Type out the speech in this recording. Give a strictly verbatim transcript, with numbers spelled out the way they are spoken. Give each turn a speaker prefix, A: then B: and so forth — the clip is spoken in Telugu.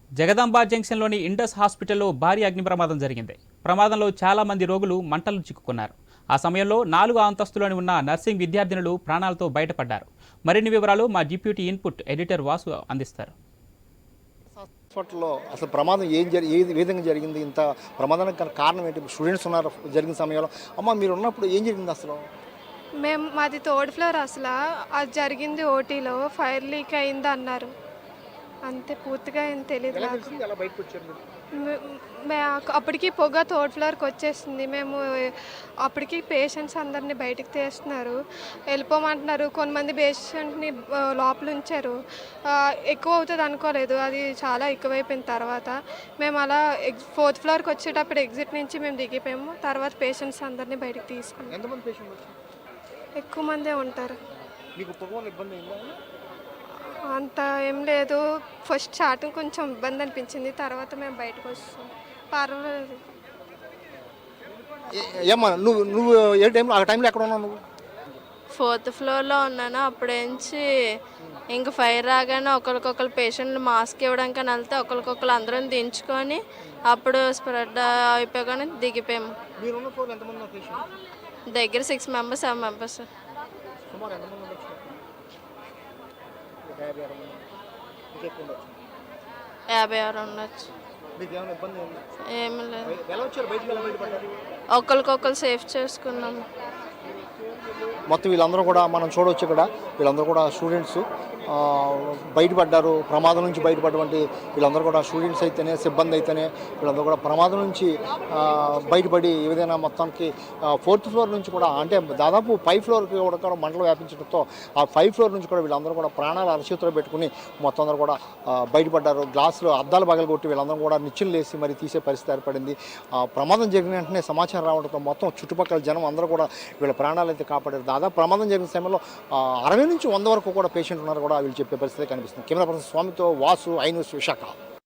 A: జగదాంబ జంక్షన్లోని ఇండస్ హాస్పిటల్లో భారీ అగ్ని ప్రమాదం జరిగింది. ప్రమాదంలో చాలా మంది రోగులు మంటలు చిక్కుకున్నారు. ఆ సమయంలో నాలుగు అంతస్తులోని ఉన్న నర్సింగ్ విద్యార్థినులు ప్రాణాలతో బయటపడ్డారు. మరిన్ని వివరాలు మా డిప్యూటీ ఇన్పుట్ ఎడిటర్ వాసు అందిస్తారు.
B: హాస్పిటల్లో అసలు ప్రమాదం ఏం జరి ఏ విధంగా జరిగింది, ఇంత ప్రమాదానికి కారణం ఏంటి? స్టూడెంట్స్ ఉన్నారు జరిగిన సమయంలో. అమ్మ, మీరు ఉన్నప్పుడు ఏం జరిగింది అసలు?
C: మేము మాది థర్డ్ ఫ్లోర్. అసలు అది జరిగింది ఓటీలో. ఫైర్ లీక్ అయింది అన్నారు, అంతే. పూర్తిగా ఏం తెలియదు నాకు. మే- మే- అప్పటికి పొగ థర్డ్ ఫ్లోర్కి వచ్చేసింది. మేము అప్పటికి పేషెంట్స్ అందరినీ బయటికి తీస్తున్నారు, వెళ్ళిపోమంటున్నారు. కొంతమంది పేషెంట్ని ఆ, లోపల ఉంచారు. ఆ, ఎక్కువ అవుతుంది అనుకోలేదు, అది చాలా ఎక్కువైపోయిన తర్వాత మేము అలా ఎగ్ ఫోర్త్ ఫ్లోర్కి వచ్చేటప్పుడు ఎగ్జిట్ నుంచి మేము దిగిపోయాము. తర్వాత పేషెంట్స్ అందరినీ బయటికి తీసుకున్నాం.
B: ఎంతమంది పేషెంట్ వచ్చారు?
C: ఎక్కువ మందే ఉంటారు.
B: మీకు పొగ వల్ల ఇబ్బంది అయిందా?
C: అంత ఏం లేదు. ఫస్ట్ స్టార్టింగ్ కొంచెం ఇబ్బంది అనిపించింది, తర్వాత మేము బయటకు వస్తాం. పర్వాలేదు.
B: ఏ- ఏమ్మా, నువ్వు నువ్వు ఏ టైంలో ఆ టైంలో ఎక్కడ ఉన్నావు నువ్వు?
D: ఫోర్త్ ఫ్లోర్లో ఉన్నాను. అప్పుడేంచి ఇంక ఫైర్ రాగానే ఒకరికొకరు పేషెంట్లు మాస్క్ ఇవ్వడానికి అని వెళ్తే ఒకరికొకరు అందరం దించుకొని అప్పుడు స్ప్రెడ్ అయిపోగానే దిగిపోయాము.
B: మీరున్న ఫ్లోర్ ఎంతమంది ఉన్నారు పేషెంట్?
D: దగ్గర సిక్స్ మెంబర్స్ సెవెన్ మెంబర్స్
B: సుమారు ఎంతమంది ఉండొచ్చు? ఒక యాభై అరవై మంది. ఇంకా ఎక్కువ ఉండొచ్చు.
D: యాభై ఆరు ఉండొచ్చు.
B: మీకు ఏమైనా ఇబ్బంది అయిందా?
D: ఏమీ లేదు.
B: ఎలా వచ్చారు బయటికి? ఎలా బయటపడ్డారు?
D: ఒకరికొకరు సేఫ్ చేసుకున్నాము.
B: మొత్తం వీళ్ళందరూ కూడా మనం చూడవచ్చు. ఇక్కడ వీళ్ళందరూ కూడా స్టూడెంట్స్ బయటపడ్డారు. ప్రమాదం నుంచి బయటపడటువంటి వీళ్ళందరూ కూడా స్టూడెంట్స్ అయితేనే, సిబ్బంది అయితేనే వీళ్ళందరూ కూడా ప్రమాదం నుంచి ఆ, బయటపడి ఏదైనా మొత్తానికి ఫోర్త్ ఫ్లోర్ నుంచి కూడా, అంటే దాదాపు ఫైవ్ ఫ్లోర్కి కూడా మంటలు వ్యాపించడంతో ఆ ఫైవ్ ఫ్లోర్ నుంచి కూడా వీళ్ళందరూ కూడా ప్రాణాలు అరచేతిలో పెట్టుకుని మొత్తం అందరూ కూడా ఆ, బయటపడ్డారు. గ్లాసులు అద్దాలు పగలగొట్టి వీళ్ళందరూ కూడా నిచ్చెలు లేసి మరి తీసే పరిస్థితి ఏర్పడింది. ఆ ప్రమాదం జరిగిన వెంటనే సమాచారం రావడంతో మొత్తం చుట్టుపక్కల జనం అందరూ కూడా వీళ్ళ ప్రాణాలు అయితే కాపాడారు. దాదాపు ప్రమాదం జరిగిన సమయంలో ఆ, అరవై నుంచి వంద వరకు కూడా పేషెంట్ ఉన్నారు కూడా వీళ్ళు చెప్పే పరిస్థితి కనిపిస్తుంది. కెమెరా పర్సన్ స్వామితో వాసు, ఐ న్యూస్, విశాఖ.